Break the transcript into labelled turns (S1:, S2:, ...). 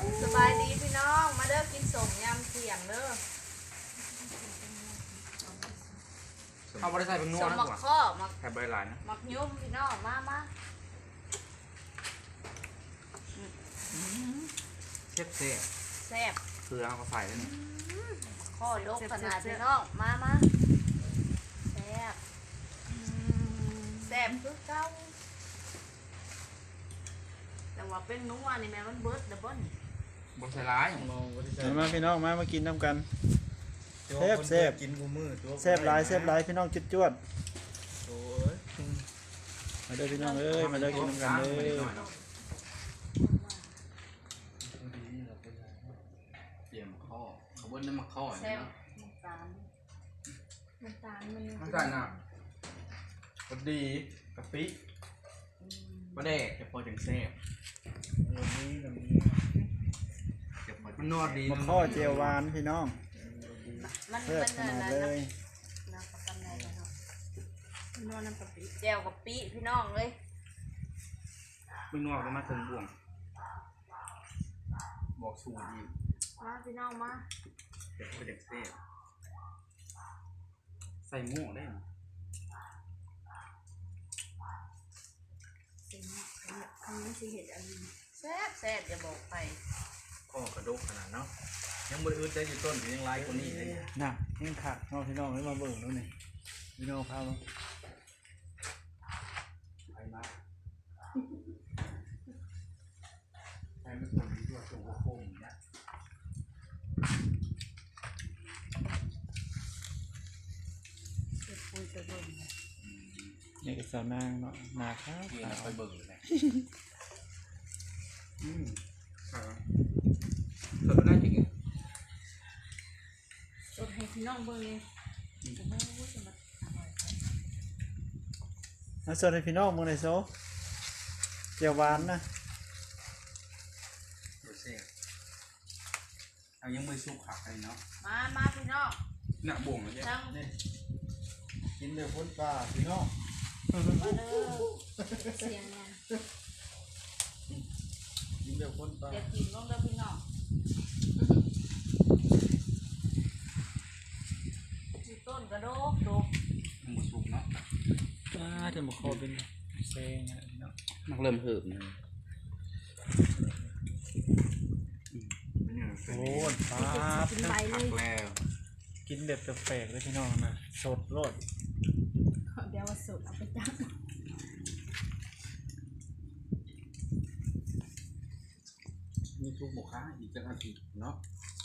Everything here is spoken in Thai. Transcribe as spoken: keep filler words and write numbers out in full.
S1: สบายดีพี่น้องมาเด้อกินสมยำเสียงเด้อ
S2: เอาบริษัทเป็นนัว
S1: สม
S2: นะ
S1: มัก
S2: กว่า
S1: ข้อมัก
S2: แถบใบหลายนะ
S1: มักยุ่มพี่น้องมามา
S2: เชฟเซ่
S1: แซ่บ
S2: คือเอาเขาใส่แล้วนี่
S1: ข้อดกขนาดพี่น้องมามาแซ่บแซ่บคือเก่าแต่ว่าเป็นนัวนี่แม่มันเบิดดับเบิ้ล
S2: บริษัทร้าย
S3: มาพี่น้องมามากินน้ำกันแซ่บแซ่บ
S4: กินกูมือตัว
S3: แซ่บหลายแซ่บหลายพี่น้องจุดจวด
S4: โอ้ย
S3: มาเด้อพี่น้องเอ้ยมาเด้อกินน้ำกันเด้อ
S2: เตรียมข้อเขาบนน้ำมันข้อ
S1: แซ่
S2: นี่
S1: บ
S2: เนาะ
S1: น้ำตาลน้ำตาลมัน
S2: น้ำตาลน่ะพอดีกะปิปลาแดกจะพอจังแซ่บ
S4: วันนี้วันนี้
S2: มันนวดดี
S3: มาข้อเจียวหวานพี่น้อง
S1: มัน
S3: แซ่บ
S1: มัน
S3: ขนาด
S1: อะไร
S3: เลย
S1: น้ำปลากันไหนเนาะนวดน้ำกะปิแจ่วกะปิพี่น้องเลย
S2: ไม่นวดก็มาถึงบ่วงบอกสูตรดี
S1: มาพี่น้องมา
S2: จะพอจังแซ่บใส่หม้อได้ไหม
S1: คำนี้สิเห็ดอันนี้แซ่บแซ่บอย่าบอกไป
S2: ข้อกระดกขนาดเนาะยังบริอึดได้อยู่ต้นยังไล่คนนี้เลย
S3: น่ะยังขาดน้องพี่น้องเลยมาเบิ่งดูนี่พี่น้องพามา
S2: ไปมาใครไม่ควรมีตัวตัวโค้งอย่างเงี้ย
S1: เห็ดปุยไปเบิ่ง
S3: นี่ก็สาวนางเนาะนาครับ
S2: เพื่อนคอยเบิ่งเลยอืมครับเธอได้จริง
S1: สดให้พี่น้องเบิ่งเลยจะไม่รู้จะมาอร่อยไหม
S3: มาสวัสดีพี่น้องมึงในโซเจียวหวานนะ
S2: เดี๋ยวเสียเอายังไม่สุกขักเลยเนาะ
S1: มามาพี่น้อง
S2: หนักบ่วงเลยเนี่ย
S1: ทั้ง
S3: นี่กินเดือดพ้นปลาพี่น้อง
S1: มาเด้อเสียงเนี่ย
S3: กินเดือดพ้นปลา
S1: เดี๋ยวกินลงเด้อพี่น้องที่ต้นกระโดกโดก
S2: มันบ่สุกเนาะ
S3: ปลาจะมาคอเป็นแซงอะพี่น้อง
S2: มันเริ่มเหิบเลยเนี่ย
S3: โอ้ยปลา
S1: กินใบเล
S2: ขั
S1: ย
S2: กแล้ว
S3: กินแบบแปลกๆเลยพี่น้องนะสดรส
S1: เดี๋ยวว่าสดเอาไปจับ
S2: มีทุกหมูค้าอีกจังอาทิตย์เนาะ